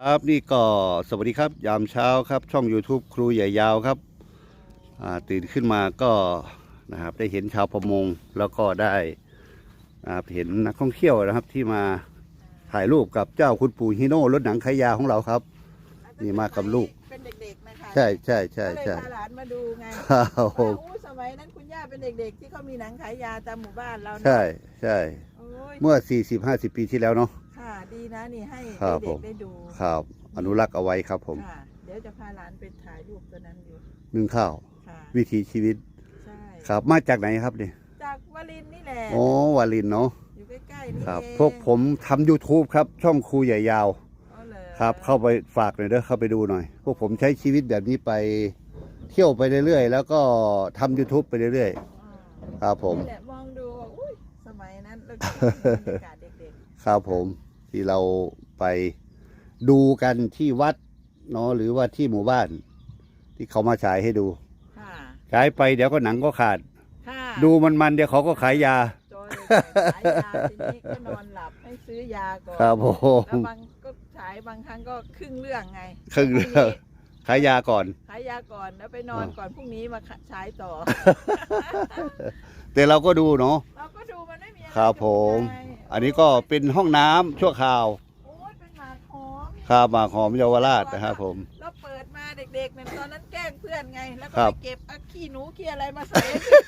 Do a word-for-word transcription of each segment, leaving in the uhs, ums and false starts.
ครับนี่ก็สวัสดีครับยามเช้าครับช่อง YouTube ครูใหญ่ยาวครับตื่นขึ้นมาก็นะครับได้เห็นชาวประมงแล้วก็ได้นะครับเห็นนักท่องเที่ยวนะครับที่มาถ่ายรูปกับเจ้าคุณปู่ฮิโน่รถหนังขายยาของเราครับนี่มากับลูกเป็นเด็กๆนะคะใช่ใช่ใช่ใช่ก็เลยพาหลานมาดูไงครับผว่าม อู้สมัยนั้นคุณย่าเป็นเด็กๆที่เขามีหนังขายยาตามหมู่บ้านเรานะใช่ใช่โอ้ยเมื่อ สี่สิบห้าสิบ ปีที่แล้วเนาะค่ะดีนะนี่ให้ครับผเด็กมๆได้ดูครับอนุรักษ์เอาไว้ครับผมค่ะเดี๋ยวจะพาหลานไปถ่ายรูปตัวนั้นอยู่นึ่งข้าวค่ะวิถีชีวิตใช่ครับมาจากไหนครับเนี่ยจากวลินนี่แหละโอ้วาลินเนาะอยู่ใกล้ๆนี่ครับเองพวกผมทำ YouTube ครับช่องครูใหญ่ยาวอ๋อเหรอครับเข้าไปฝากหน่อยเด้อเข้าไปดูหน่อย พวกผมใช้ชีวิตแบบนี้ไปเที่ยวไปเรื่อยๆแล้วก็ทำ YouTube ไปเรื่อยอ๋อๆครับผมนี่แหละมองดูว่าอุ้ยสมัยนั้นเราคิดถึงบรรยากาศเด็กครับผมที่เราไปดูกันที่วัดเนาะหรือว่าที่หมู่บ้าน ที่เขามาฉายให้ดูๆค่ะฉายไปเดี๋ยวก็หนังก็ขาดค่ะดูมันๆเดี๋ยวเขาก็ขายยาจอยเลยขายยาทีนี้ก็นอนหลับให้ซื้อยาก่อนครับผแล้วมบางก็ฉายบางครั้งก็ครึ่งเรื่องไงครึ่งเรื่องขายยาก่อนขายยาก่อนแล้วไปนอนก่อนพรุ่งนี้มาฉายต่อแต่เราก็ดูเนาะเราก็ดูมันไม่มีอะไรครับผมไงอันนี้ก็เป็นห้องน้ำชั่วคราวโอ้ยเป็นหมากหอมครับหมากหอมเยาวราชนะครับผมเราเปิดมาเด็กๆเนี่ยตอนนั้นแกล้งเพื่อนไง แล้วก็ครัไปบเก็บเอาขี้หนูขี้อะไรมาใส่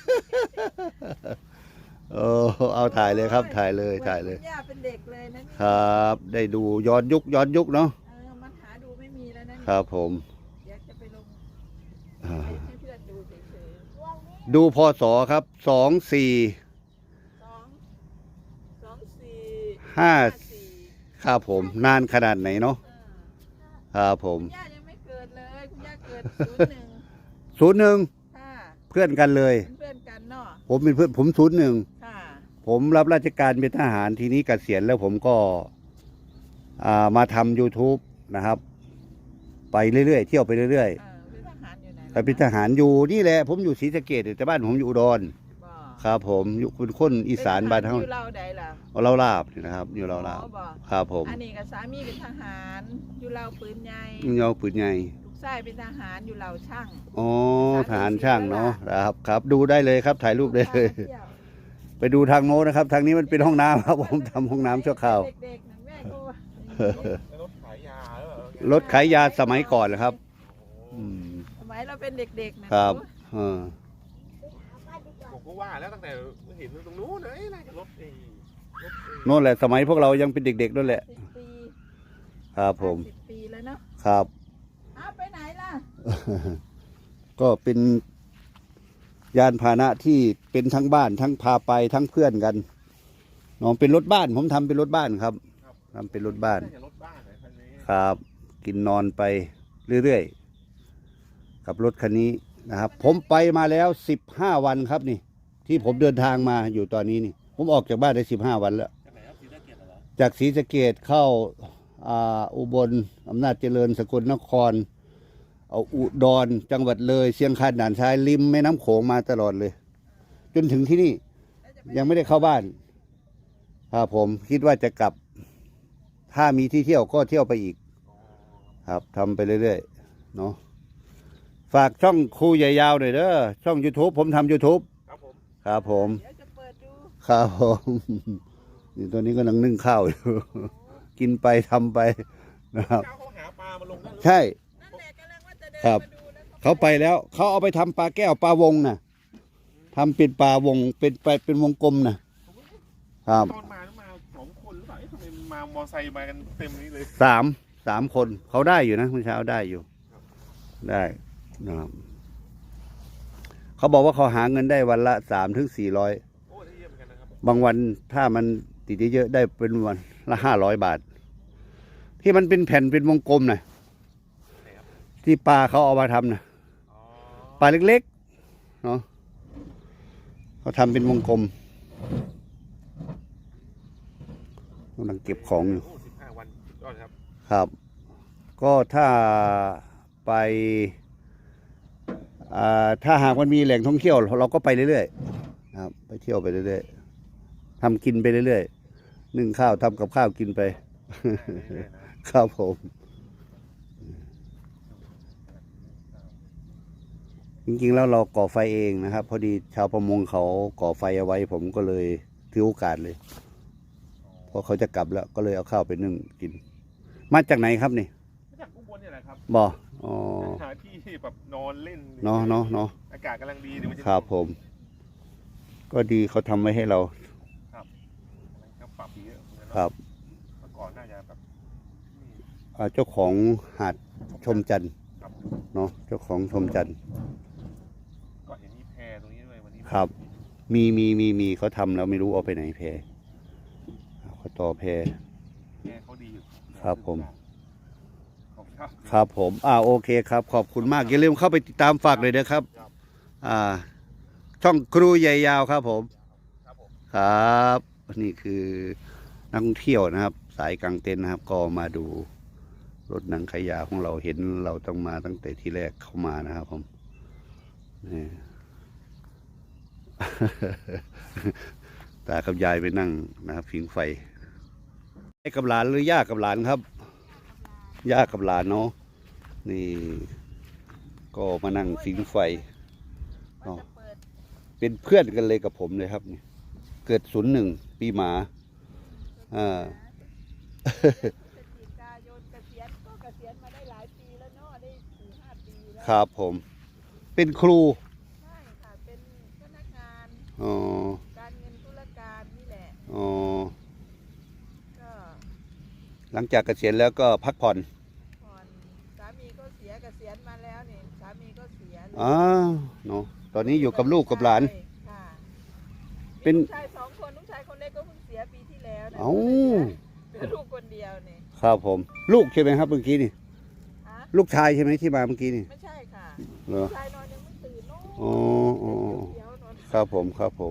เออเอาถ่ายเลยครับถ่ายเลยถ่ายเลยคุณย่าเป็นเด็กเลยนะนี่ครับ ได้ดูย้อนยุคย้อนยุคเนาะเออมันหาดูไม่มีแล้วนะนี่ครับผมเดี๋ยวจะไปลงอ่าให้เพื่อนดูเฉยดูพศครับสองสี่ๆสองสองสี่ห้าสี่ครับผมนานขนาดไหนเนาะเออครับผมคุณย่ายังไม่เกิดเลยคุณย่าเกิดศูนย์หนึ่งศูนย์หนึ่งค่ะเพื่อนกันเลยเป็นเพื่อนกันเนาะผมเป็นเพื่อนผมศูนย์หนึ่งค่ะผมรับราชการเป็นทหารทีนี้เกษียณแล้วผมก็อ่ามาทำ YouTube นะครับ ไปเรื่อยๆเที่ยวไปเรื่อยเออเป็นทหารอยู่ไหนๆไปเป็นทหารอยู่นี่แหละผมอยู่ศรีสะเกษแต่บ้านผมอยู่อุดรบ่ครับผมอยู่เป็นคนอีสานบ้านเป็เฮาอยู่เราใดล่ะเราลาบนี่นะครับ อยู่เราลาบอ๋อบ่ครับผมอันนี้กับสามีเป็นทหารอยู่เราปืนใหญ่ยาวปืนใหญ่ลูกชายเป็นทหารอยู่เราช่างอ๋อทหารช่างเนาะครับครับดูได้เลยครับถ่ายรูปได้เลยพาที่วไปดูทางโน้นนะครับ ทางนี้มันเป็นห้องน้ำครับผมทำห้องน้ำชั่วคราวเด็กๆนั่นแม่ก็ว่ารถขายยาหรือเปล่ารถขายยาสมัยก่อนนะครับอืมสมัยเราเป็นเด็กๆนะครับเออผมก็ว่าแล้วตั้งแต่เห็นตรงนู้นเลยน่าจะรถเองรถเองโน่นแหละสมัยพวกเรายังเป็นเด็กๆนั่นแหละสิบปีครับผมสิบปีแล้วเนาะครับเอาไปไหนล่ะก็เป็นยานพาหนะที่เป็นทั้งบ้านทั้งพาไปทั้งเพื่อนกันน้องเป็นรถบ้าน ผมทำเป็นรถบ้านครับทำเป็นรถบ้านน่าจะรถบ้านไหนคันนี้ครับ กินนอนไปเรื่อยๆกับรถคันนี้นะครับ ผมไปมาแล้วสิบห้าวันครับนี่ ที่ผมเดินทางมาอยู่ตอนนี้นี่ ผมออกจากบ้านได้สิบห้าวันแล้วจากไหนครับศรีสะเกษเหรอจากศรีสะเกษเข้าอ่าอุบลอำนาจเจริญสกลนคร เอาอุดรจังหวัดเลยเชียงคานด่านซ้ายริมแม่น้ำโขงมาตลอดเลย จนถึงที่นี่ยังไม่ได้เข้าบ้านครับผมคิดว่าจะกลับ ถ้ามีที่เที่ยวก็เที่ยวไปอีก ครับทำไปเรื่อยๆเนาะฝากช่องครูใหญ่ยาวหน่อยเด้อช่อง YouTube ผมทำ YouTube ครับผมครับผมเดี๋ยวจะเปิดดูครับผมนี่ตอนนี้ก็นังนึ่งข้าวอยู่ กินไปทำไปนะครับเจ้าเขาหาปลามาลงนั่นหรือใช่นั่นแหละกำลังว่าจะเดินครับมาดูแล้วก็เขาไปแล้วเขาเอาไปทำปลาแก้วปลาวงน่ะทำเป็นปลาวงเป็นไปเป็นวงกลมนะครับตอนมาต้องมาสองคนหรือเปล่าเอ๊ะทำไมมามอไซค์มากันเต็มนี้เลยสามสามคนเขาได้อยู่นะเมื่อเช้าได้อยู่ ได้นะครับเขาบอกว่าเขาหาเงินได้วันละสามถึงสี่ร้อยโอ้ได้เยี่ยมเหมือนกันนะครับบางวันถ้ามันติดเยอะๆได้เป็นวันละห้าร้อยบาท ที่มันเป็นแผ่นเป็นวงกลมนะที่ปลาเขาเอามาทำนะอ๋อปลาเล็กๆเนาะเขาทำเป็นวงกลมกำลังเก็บของอยู่โอ้สิบห้าวันสุดยอดครับครับ ก็ถ้าไปอ่าถ้าหากมันมีแหล่งท่องเที่ยวเราก็ไปเรื่อยๆนะครับ ไปเที่ยวไปเรื่อยๆทำกินไปเรื่อยๆนึ่งข้าวทำกับข้าวกินไปเรื่อยๆนะครับผมโจริงๆแล้วเราก่อไฟเองนะครับ พอดีชาวประมงเขาก่อไฟเอาไว้ ผมก็เลยถือโอกาสเลยเพราะเขาจะกลับแล้วก็เลยเอาข้าวไปนึ่งกิน มาจากไหนครับนี่มาจากอุบลเนี่ยแหละครับบ่ออ๋อหาที่แบบนอนเล่นเนาะเนาะเนาะอากาศกำลังดีเดี๋ยวมันจะครับผม ก็ดีเขาทำไว้ให้เราก็ปรับเยอะเหมือนกันครับเมื่อก่อนน่าจะแบบนี่อ่าเจ้าของหาดชมจันทร์ครับเนาะเจ้าของชมจันทร์ก็เห็นมีแพตรงนี้ด้วยวันนี้ครับ มีมีมีมีเขาทำแล้วไม่รู้เอาไปไหนแพเขาต่อแพแพเขาดีอยู่ครับผมขอบคุณครับครับผม อ่า โอเคครับ ขอบคุณมาก อย่าลืมเข้าไปติดตามฝากเลยนะครับครับอ่า ช่องครูใหญ่ยาวครับผมครับผมครับนี่คือนักท่องเที่ยวนะครับ สายกลางเต็นท์นะครับ ก็มาดูรถหนังขยะของเราเห็นเราต้องมาตั้งแต่ที่แรกเข้ามานะครับผมนี่ ตากับยายไปนั่งนะครับผิงไฟให้กับหลานหรือย่ากับหลานครับ ย่ากับหลานเนาะนี่ ก็มานั่งผิงไฟว่าจะเปิดเป็นเพื่อนกันเลยกับผมเลยครับนี่เกิดศูนย์หนึ่งปีหมา อ่าพฤศจิกายนเกษียณก็เกษียณมาได้หลายปีแล้วเนาะได้สี่ห้าปีแล้วครับผม เป็นครูใช่ค่ะเป็นพนักงานอ๋อการเงินธุรการนี่แหละอ๋อก็หลังจากเกษียณแล้วก็พักผ่อนผ่อนสามีก็เสียเกษียณมาแล้วเนี่ยสามีก็เสียเลยอ๋อเนาะตอนนี้อยู่กับลูกกับหลานค่ะเป็นมีลูกชายสองคนลูกชายคนเล็กก็เพิ่งเสียปีที่แล้วนะเอ้าเหลือลูกคนเดียวเนี่ยครับผม ลูกใช่ไหมครับเมื่อกี้นี่ฮะลูกชายใช่ไหมที่มาเมื่อกี้นี่ไม่ใช่ค่ะเหรอลูกชายนอนยังไม่ตื่นเนาะอ๋ออ๋ออ๋อเดี๋ยวๆนอนครับผม ครับผม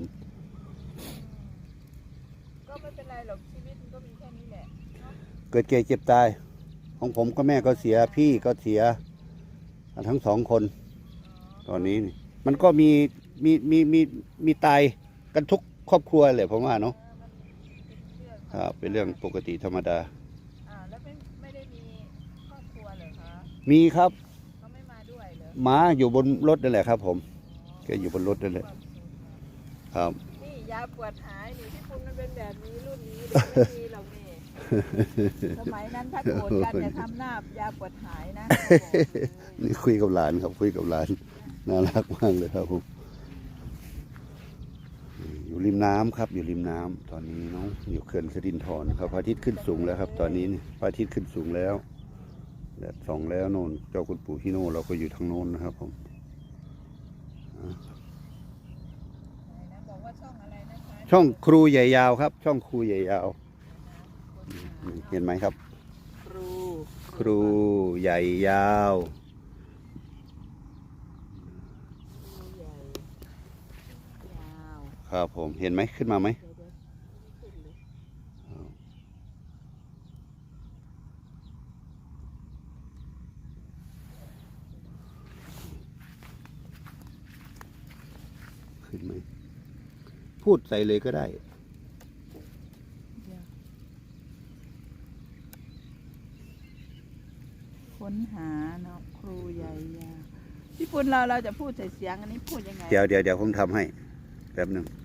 ก็ไม่เป็นไรหรอกชีวิตมันก็มีแค่นี้แหละเนาะเกิดเจ็บเจ็บตาย ของผมก็แม่ก็เสีย พี่ก็เสีย ทั้งสองคน ตอนนี้นี่มันก็มีมีมีมีมีตายกันทุกครอบครัวเลยผมว่าเนาะเออมันเป็นเรื่องครับ เป็นเรื่องปกติธรรมดาอ่าแล้วไม่ไม่ได้มีครอบครัวเหรอคะมีครับเขาไม่มาด้วยเหรอหมาอยู่บนรถนั่นแหละครับ ผมแกอยู่บนรถนั่นแหละ ครับนี่ยาปวดหายนี่ที่คุณมันเป็นแบบนี้รุ่นนี้เดี๋ยวไม่มีหรอกนี่สมัยนั้นถ้าโกรธกันอย่าทำหน้ายาปวดหายนะเขาบอกเลยนี่คุยกับหลานครับ คุยกับหลานน่ารักมากเลยครับผมอยู่ริมน้ำครับ อยู่ริมน้ำตอนนี้เนาะอยู่เขื่อนสิรินธรครับพระอาทิตย์ขึ้นสูงแล้วครับ ตอนนี้นี่พระอาทิตย์ขึ้นสูงแล้วแดดส่องแล้วโน่นเจ้าคุณปู่ฮิโน่เราก็อยู่ทางโน้นนะครับ ผมไหนนะบอกว่าช่องอะไรนะคะช่องครูใหญ่ยาวครับ ช่องครูใหญ่ยาวเห็นไหมครับครูครูใหญ่ยาวครูใหญ่ยาวครับผมเห็นไหมขึ้นมาไหมเดี๋ยวเดี๋ยวขึ้นเลยขึ้นไหมพูดใส่เลยก็ได้เดี๋ยวค้นหาเนาะครูใหญ่ยาวพี่ปุณเราเราจะพูดใส่เสียงอันนี้พูดยังไงเดี๋ยวเดี๋ยวเดี๋ยวผมทำให้แป๊บหนึ่งค